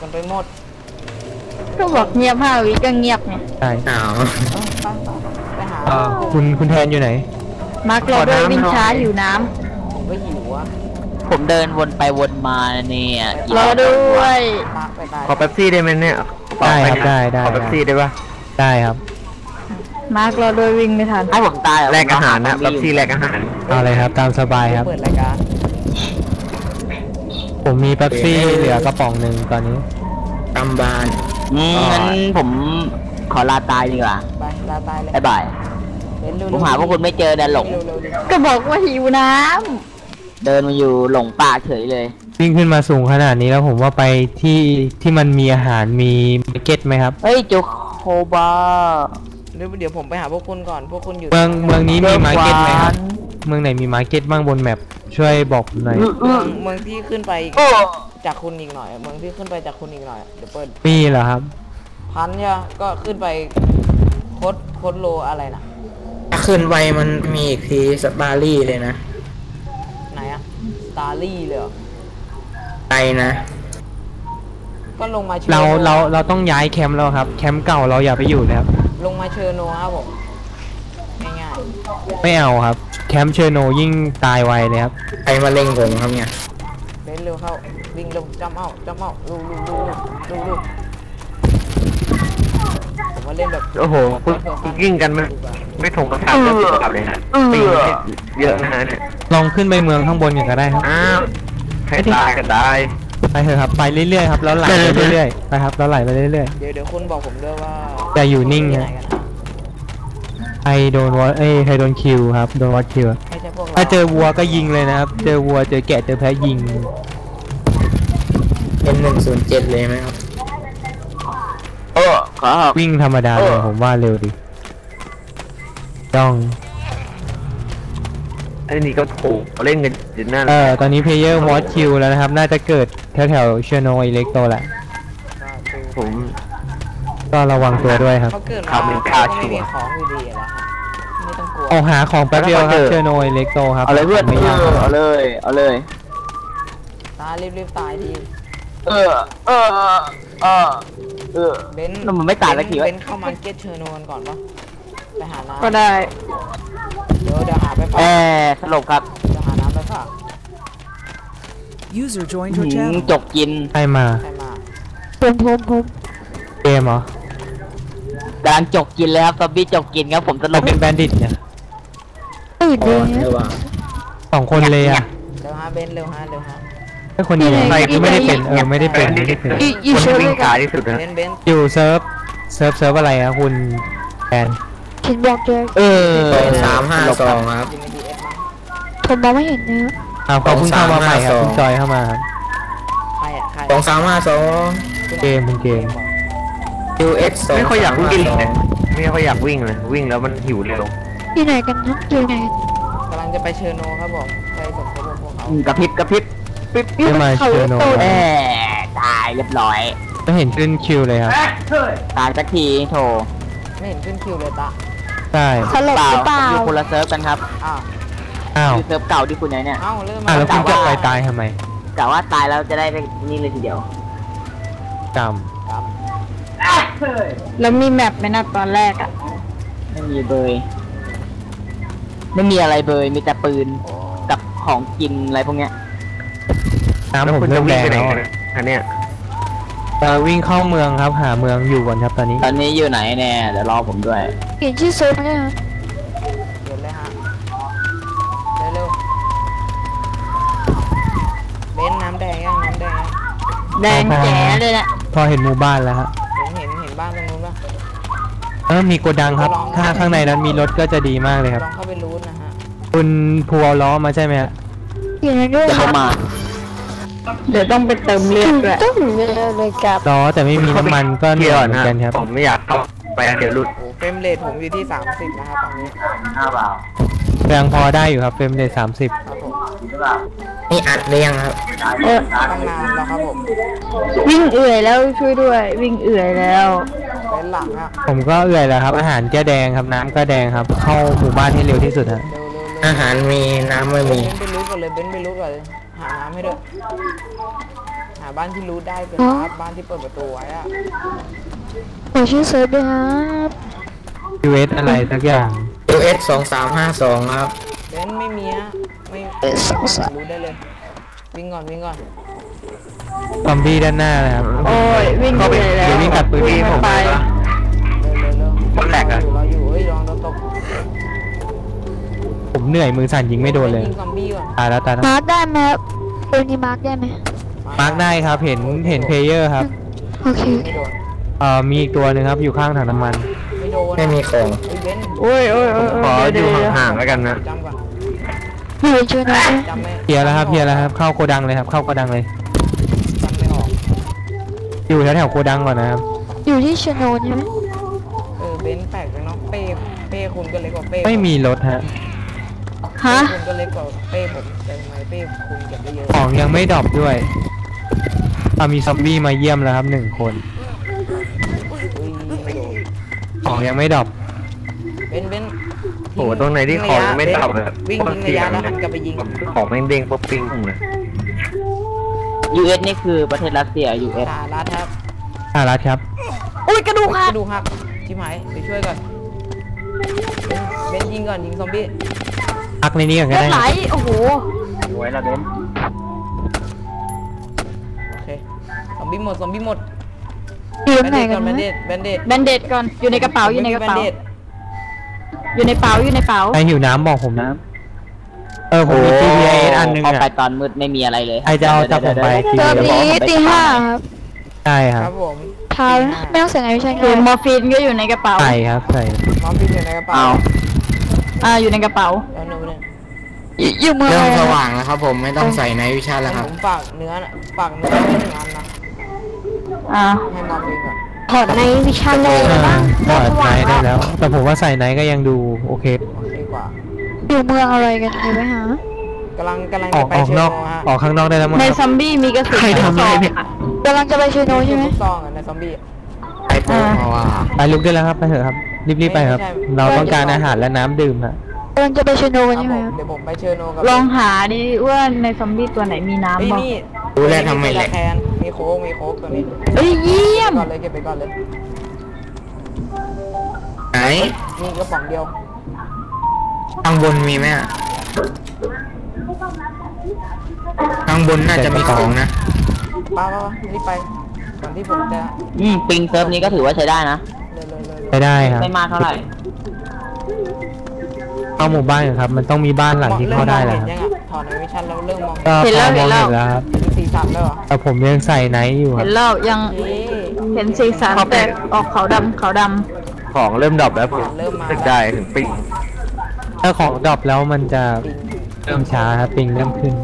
กันไปหมดก็บอกเงียบ5 วิก็เงียบไงใช่ไปหาคุณแทนอยู่ไหนมาร์คเราด้วยวิ่งช้าอยู่น้ผมก็หิวอะผมเดินวนไปวนมาเนี่ยำรอด้วยขอเป๊ปซี่ได้ไหมเนี่ยได้ครับได้ขอเป๊ปซี่ได้ปะได้ครับมาร์คเราด้วยวิ่งไม่ทันให้ผมตายแลกอาหารนะเป๊ปซี่แลกอาหารเอาเลยครับตามสบายครับเปิดรายการผมมีเป๊ปซี่เหลือกระป๋องหนึ่งตอนนี้ตำบานงั้นผมขอลาตายดีกว่าไปลาตายเลยบายผมหาพวกคุณไม่เจอเดินหลงก็บอกว่าหิวน้ำเดินมาอยู่หลงป่าเฉยเลยวิ่งขึ้นมาสูงขนาดนี้แล้วผมว่าไปที่มันมีอาหารมีมาร์เก็ตไหมครับเฮ้ยจูโคบาเดี๋ยวผมไปหาพวกคุณก่อนพวกคุณอยู่เมืองนี้มีมาร์เก็ตไหมครับเมืองไหนมีมาร์เก็ตบ้างบนแมปช่วยบอกหน่อยเมืองที่ขึ้นไปจากคุณอีกหน่อยเมืองที่ขึ้นไปจากคุณอีกหน่อยเดี๋ยวเปิดมีเหรอครับพันเนี่ยก็ขึ้นไปโคดโลอะไรนะขึ้นไปมันมีอีกทีสตาร์ลี่เลยนะไหนอะสตาร์ลี่เลยไปนะก็ลงมาเราต้องย้ายแคมป์แล้วครับแคมป์เก่าเราอย่าไปอยู่เลยครับลงมาเชอร์โนครับผมง่ายๆไม่เอาครับแคมป์เชอร์โนยิ่งตายไวเลยครับใครมาเล็งผมครับเนี่ยเดินเร็วเข้าวิ่งเร็วจำเอาลูผมมาเล่นแบบโอ้โหคุณกิ้งกันไม่ถงกระถางเรื่องสุขภาพเลยนะปีเยอะนะฮะเนี่ยลองขึ้นไปเมืองข้างบนกันก็ได้ครับให้ตายกันได้ไปเถอะครับไปเรื่อยๆครับแล้วไหลไปเรื่อยๆไปครับแล้วไหลไปเรื่อยๆเดี๋ยวคุณบอกผมด้วยว่าจะอยู่นิ่งนะไอโดนวอไอโดนคิวครับโดนวอคิวถ้าเจอวัวก็ยิงเลยนะครับเจอวัวเจอแกะเจอแพะยิงเป็น107เลยไหมครับวิ่งธรรมดาเลยผมว่าเร็วดิต้องอันนี้ก็ถูกเล่นกันอยู่นั่นตอนนี้เพลเยอร์วอตคิวแล้วนะครับน่าจะเกิดแถวเชโนอิเล็กโตแหละผมก็ระวังตัวด้วยครับทำเป็นค่าชัวร์ของอยู่ดีแล้วไม่ต้องกลัวเอาหาของแป๊บเดียวครับเชโนอิเล็กโตครับเอาเลยเพื่อนเอาเลยตายรีบตายทีเบนมันไม่ตายสักทีวะเบนเข้ามาเก็ตเชอร์โนนก่อนปะไปหาน้ำก็ได้เดี๋ยวหาไปฝากสลบครับเดี๋ยวหาน้ำไปฝากจกกินใครมาผมเกมเหรอกำลังจกกินเลยครับซอมบี้จกกินครับผมสลบเป็นแบนดิตเนี่ยเลย 2 คนเลยอะเร็วฮะเบนเร็วฮะถ้าคนเดียวใครก็ไม่ได้เป็นไม่ได้เป็นคนวิ่งขาที่สุดนะอยู่เซิร์ฟอะไรอะคุณแอนคิดบอกเลย 352ครับผมมองไม่เห็นเนื้อเขาเพิ่งเข้ามาใหม่ครับคุณจอยเข้ามาครับใคร 2352 เกมเป็นเกม UX ไม่ค่อยอยากวิ่งเลยไม่ค่อยอยากวิ่งเลยวิ่งแล้วมันหิวเร็วที่ไหนกันนะอยู่ไหนกำลังจะไปเชอร์โนครับผมไปสมทบพวกเขากระพริบจะมาเชอร์โนตายเรียบร้อยก็เห็นขึ้นคิวเลยครับตายสักทีโถไม่เห็นขึ้นคิวเลยตาใช่สลบหรือเปล่าอยู่คนละเซิร์ฟกันครับอยู่เซิร์ฟเก่าที่คุณไหนเนี่ยแล้วคุณจะไปตายทำไมกะว่าตายแล้วจะได้ไปนี่เลยทีเดียวกรรมแล้วมีแมปไหมนะตอนแรกอ่ะไม่มีเบยไม่มีอะไรเบยมีแต่ปืนกับของกินอะไรพวกเนี้ยน้ำผมเริ่มแรงแล้วอันเนี้ยวิ่งเข้าเมืองครับหาเมืองอยู่ก่อนครับตอนนี้อยู่ไหนแน่เดี๋ยวรอผมด้วยเห็นชื่อเซิร์ฟไหมฮะเดี๋ยวเลยฮะเร็วเบนน้ำแดงยังน้ำแดงแดงแจ๋เลยแหละพอเห็นหมู่บ้านแล้วฮะเห็นบ้านตรงนู้นป่ะมีโกดังครับถ้าข้างในนั้นมีรถก็จะดีมากเลยครับลองเข้าไปรูทนะฮะคุณพัวล้อมาใช่ไหมฮะอยู่ในด้วยเข้ามาเดี๋ยวต้องไปเติมเลือดด้วยต้องเลยครับล้อแต่ไม่มีน้ำมันก็เหนื่อยเหมือนกันครับผมไม่อยากเข้าไปเดี๋ยวหลุดเฟรมเรทผมอยู่ที่30นะครับตอนนี้เปล่ายังพอได้อยู่ครับเฟรมเรท30 นี่อัดเรียงครับตั้งนานแล้วครับผมวิ่งเอื่อยแล้วช่วยด้วยวิ่งเอื่อยแล้วเป็นหลังอะผมก็เอื่อยแล้วครับอาหารก็แดงครับน้ำก็แดงครับเข้าหมู่บ้านให้เร็วที่สุดฮะอาหารมีน้ำไม่มีเบนไปรูทก่อนเลยหาน้ำให้ด้วยหาบ้านที่รู้ได้เป็นครับบ้านที่เปิดประตูไว้อะขอชื่อเซิร์ฟด้วยครับ US อะไรสักอย่าง US 2352ครับเบนไม่มีฮะไม่รู้ได้เลยวิ่งก่อนซอมบี้ด้านหน้าเลยครับโอ้ยวิ่งไปแล้วเดี๋ยววิ่งตัดปืนวิ่งไปเร็วคนแหลกอะเราอยู่เฮ้ยลองตกผมเหนื่อยมือสั่นยิงไม่โดนเลยยิงซอมบี้ก่อนตายแล้วมาร์กได้ไหมครับปืนนี้มาร์กได้ไหมมาร์กได้ครับเห็นเพลเยอร์ครับโอเคไม่โดนมีอีกตัวหนึ่งครับอยู่ข้างถังน้ำมันไม่โดนไม่มีของเฮ้ยเบนโอ้ยขออเดี๋ยู่ยวห่างๆแล้วกันนะจำก่อนไม่เห็นชื่อนะจำไม่เคลียร์แล้วครับเข้าโกดังเลยครับเข้าโกดังเลยจำไม่ออกอยู่แถวๆโกดังก่อนนะครับอยู่ที่ชโนนใช่ไหมเบนแปลกเลยเนาะเป้คุณก็เล็กกว่าเป้ไม่มีรถฮะฮะคุณก็เล็กกว่าเป้ผมแต่ทำไมเป้คุณเก็บได้เยอะของยังไม่ดรอปด้วยมีซอมบี้มาเยี่ยมแล้วครับ1 คนอุ้ยไม่โดนของยังไม่ดรอปเบนโอ้โหตรงไหนที่ของยังไม่ดับเลยวิ่งยิงระยะแล้วหันกลับไปยิงของแม่งเด้งปุ๊บปิ้งเลย US นี่คือประเทศรัสเซีย US สารัดครับรัดครับอุ้ยกระดูกหักดูครับชิบหายไปช่วยก่อนเบนยิงก่อนยิงซอมบี้พักในนี้ก่อนก็เลือได้ดไหลโอ้โหสวยละเบนโอเคซอมบี้หมดอยู่ตรงไหนกันแบนะนเดดแบนเด็ดก่อนอยู่ในกระเป๋าอยู่ในกระเป๋า อยู่ในเป๋าอยู่ในเป๋าใครหิวน้ำบอกผมนะผมมี GPS อันหนึงพอไปอ่ะตอนมืดไม่มีอะไรเลยใครจะเอาจากผมไปเซิร์ฟนี้ตี 5ครับใช่คครัรับบผมเท้านะไม่ต้องใส่ในวิชาคืกาอรมอร์ฟีนก็อยู่ในกระเป๋าใส่ครับใส่น้องพี่อยู่ในกระเป๋าเอาอยู่ในกระเป๋าแล้วหนูเนี่ยอยู่เมืองเริ่อะมไรสนะว่างแล้วครับผมไม่ต้องใส่ในวิชาแล้วครับผมฝากเนื้อไว้1 อันนะอ่าให้มอร์ฟีนก่อนถอดในวิชาเลยบ้างก็ไนท์ได้แล้ว แต่ผมว่าใส่ไนท์ก็ยังดูโอเคโอเคกว่าอยู่เมืองอะไรกันเดี๋ยวไปหากำลังอจะอกไปออกเชนโนอกฮะออกข้างนอกได้แล้วมั้งในคซรับอมบี้มีกระสุนใครทำอะไรเนี่ยกำลังจะไปชโนใช่ไหมลูกซองในซอมบี้ไอโฟนเพราะว่าไปลุกได้แล้วครับไปเถอะครับรีบๆไปครับ เราต้องการอาหารและน้ำดื่มฮะกำลังจะไปชโนคกันรับใช่ไหผม มครับเดี๋ยวผมไปเชโนกับลองหาดิว่าในซอมบี้ตัวไหนมีน้ำบ้างนี่รู้แล้วทำไมแหละแคนมีโค้กตัวนี้เอ้ยเยี่ยมก่อนเลยเก็บไปก่อนเลยไหนมีกระป๋องเดียวข้างบนมีไหมอะข้างบนน่าจะมีของนะป้ารีบไปก่อนที่ผมจะปิงเซิร์ฟนี้ก็ถือว่าใช้ได้นะไปได้ครับไม่มากเท่าไหร่เข้าหมู่บ้านก่อนครับ มันต้องมีบ้านหลังที่เข้าได้แล้วเห็นยังอ่ะถอดในวิชั่นแล้วเริ่มมองก็พอมองเห็นแล้วครับสีสันแล้วเหรอแต่ผมยังใส่ไนท์อยู่คเห็รับนแล้วยังเอ๊ะเห็นสีสันแต่ออกขาวดำขาวดของเริ่มดรอปแล้วผมเริ่มมาสึกได้ถึงปิงถ้าของดรอปแล้วมันจะเริ่มช้าครับปิงเริ่มขึ้น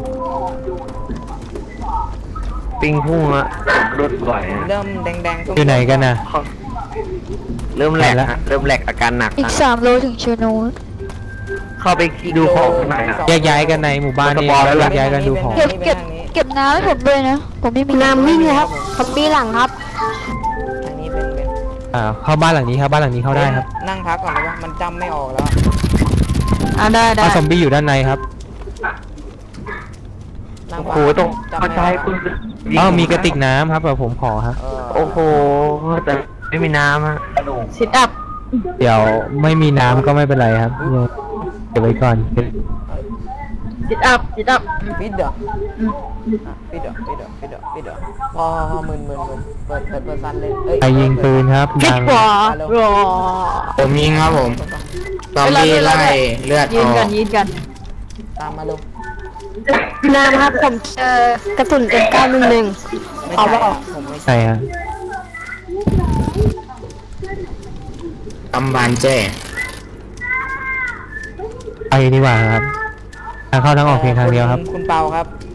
ปิงพุ่งอะรถบ่อยเริ่มแดงๆอยู่ไหนกันนะเริ่มแหลกฮะเริ่มแหลกอาการหนักอีกนะ 3 โลถึงชโนเข้าไปดูของข้างในอะแยกย้ายกันในหมู่บ้านนี่แยกย้ายกันดูของเก็บน้ำให้ผมด้วยนะ ผมไม่มีน้ำวิ่งครับคอมบี้หลังครับทางนี้เป็นเข้าบ้านหลังนี้ครับบ้านหลังนี้เข้าได้ครับนั่งพักก่อนเลยว่ามันจำไม่ออกแล้วำอ่าได้ซอมบี้อยู่ด้านในครับนั่งโอ้พัโหตรงจำกระไม่อจายอกคุณมีกระติกน้ำครับแต่ผมขอครับโอ้โหแต่ไม่มีน้ำฮะซิทอัพเดี๋ยวไม่มีน้ำก็ไม่เป็นไรครับเก็บไว้ก่อนซิทอัพซิทอัพปิดเด้อปิดเด้อพอมึนเปิดซันเลยใครยิงปืนครับฟิดักงกว่าผมยิงครับผมซอมบี้ไล่เลือดยือน อกักนยืนกันตามมาลงน้ำครับผมเจอกระสุนM911 ไม่ใช่ผมไม่ใช่ใช่ครับตำบานแจ้ไปดีกว่าครับทางเข้าทางออกเพียงทางเดียวครับคุณเปาครับ